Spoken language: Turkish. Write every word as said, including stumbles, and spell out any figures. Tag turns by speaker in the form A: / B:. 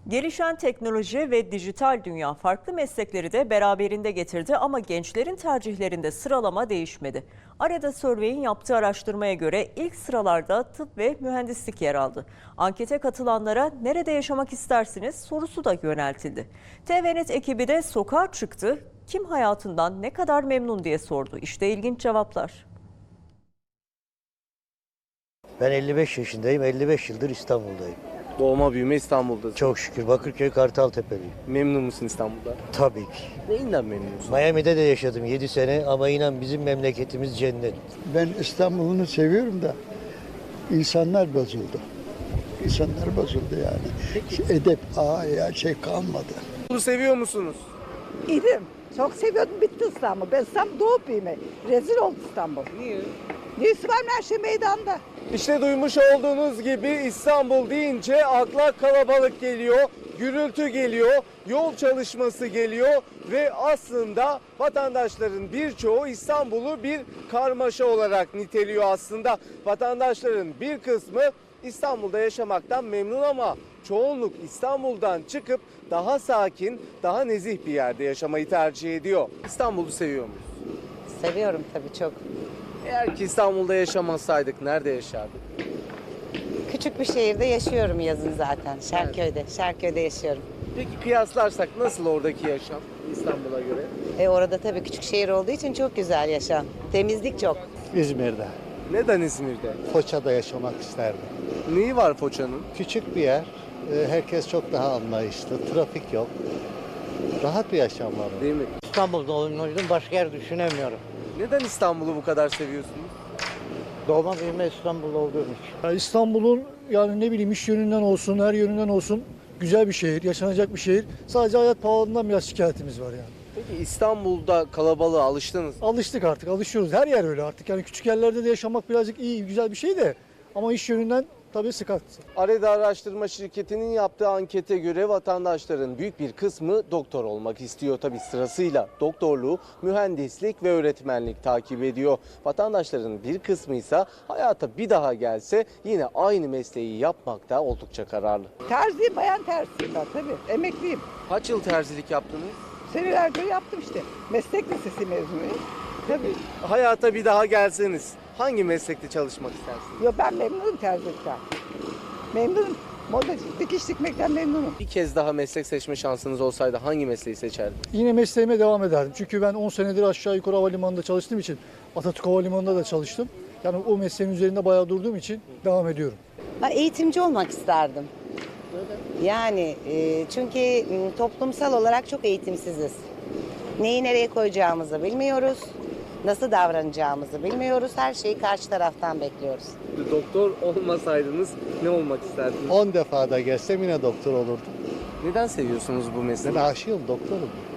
A: Gelişen teknoloji ve dijital dünya farklı meslekleri de beraberinde getirdi ama gençlerin tercihlerinde sıralama değişmedi. Arada Survey'in yaptığı araştırmaya göre ilk sıralarda tıp ve mühendislik yer aldı. Ankete katılanlara nerede yaşamak istersiniz sorusu da yöneltildi. T V Net ekibi de sokağa çıktı. Kim hayatından ne kadar memnun diye sordu. İşte ilginç cevaplar.
B: Ben elli beş yaşındayım, elli beş yıldır İstanbul'dayım.
C: Doğma büyüme İstanbul'dasın.
B: Çok şükür Bakırköy Kartaltepe'liyim.
C: Memnun musun İstanbul'da?
B: Tabii ki.
C: Neyinden memnunsun?
B: Miami'de de yaşadım yedi sene ama inan bizim memleketimiz cennet.
D: Ben İstanbul'unu seviyorum da insanlar bozuldu. İnsanlar bozuldu yani. Edep, aa ya şey kalmadı.
C: İstanbul'u seviyor musunuz?
E: İdim. Çok seviyordum. Bitti İstanbul. Ben İstanbul doğup büyüme. Rezil oldu İstanbul.
C: Niye?
E: Neyse var mı her şey meydanda.
C: İşte duymuş olduğunuz gibi İstanbul deyince akla kalabalık geliyor, gürültü geliyor, yol çalışması geliyor ve aslında vatandaşların birçoğu İstanbul'u bir karmaşa olarak niteliyor aslında. Vatandaşların bir kısmı İstanbul'da yaşamaktan memnun ama çoğunluk İstanbul'dan çıkıp daha sakin, daha nezih bir yerde yaşamayı tercih ediyor. İstanbul'u seviyor muyuz?
F: Seviyorum tabii çok.
C: Eğer ki İstanbul'da yaşamasaydık nerede yaşardık?
F: Küçük bir şehirde yaşıyorum yazın zaten. Şerköy'de. Şerköy'de yaşıyorum.
C: Peki kıyaslarsak nasıl oradaki yaşam İstanbul'a göre?
F: E orada tabii küçük şehir olduğu için çok güzel yaşam. Temizlik çok.
G: İzmir'de,
C: Neden İzmir'de?
G: Foça'da yaşamak isterdim.
C: Neyi var Foça'nın?
G: Küçük bir yer, e, herkes çok daha anlayışlı, trafik yok. Rahat bir yaşam var orada.
C: Değil mi?
B: İstanbul'da oynadım, başka yer düşünemiyorum.
C: Neden İstanbul'u bu kadar seviyorsunuz?
B: Doğma büyüme İstanbul'da olduğum için.
H: Ya İstanbul'un yani ne bileyim iş yönünden olsun, her yönünden olsun güzel bir şehir, yaşanacak bir şehir. Sadece hayat pahalılığından biraz şikayetimiz var yani.
C: Peki İstanbul'da kalabalığa alıştınız mı?
H: Alıştık artık, alışıyoruz. Her yer öyle artık. Yani küçük yerlerde de yaşamak birazcık iyi, güzel bir şey de ama iş yönünden tabii sıkıntı.
C: Areda Araştırma Şirketi'nin yaptığı ankete göre vatandaşların büyük bir kısmı doktor olmak istiyor. Tabii sırasıyla doktorluğu, mühendislik ve öğretmenlik takip ediyor. Vatandaşların bir kısmı ise hayata bir daha gelse yine aynı mesleği yapmakta oldukça kararlı.
E: Terziyim, bayan terziyim ben tabii. Emekliyim.
C: Kaç yıl terzilik yaptınız?
E: Senelerce yaptım işte. Meslek lisesi mezunuyum. Tabii.
C: Hayata bir daha gelseniz hangi meslekte çalışmak istersiniz?
E: Yo, ben memnunum terzilikten. Memnunum. Modacı, dikiş dikmekten memnunum.
C: Bir kez daha meslek seçme şansınız olsaydı hangi mesleği seçerdiniz?
H: Yine mesleğime devam ederdim. Çünkü ben on senedir aşağı yukarı havalimanında çalıştığım için Atatürk Havalimanı'nda da çalıştım. Yani o mesleğin üzerinde bayağı durduğum için devam ediyorum.
F: Ha, eğitimci olmak isterdim. Yani e, çünkü m, toplumsal olarak çok eğitimsiziz. Neyi nereye koyacağımızı bilmiyoruz. Nasıl davranacağımızı bilmiyoruz. Her şeyi karşı taraftan bekliyoruz.
C: Doktor olmasaydınız ne olmak isterdiniz?
G: on defa da gelsem yine doktor olurdum.
C: Neden seviyorsunuz bu mesleği?
G: Ben aşığım, doktorum.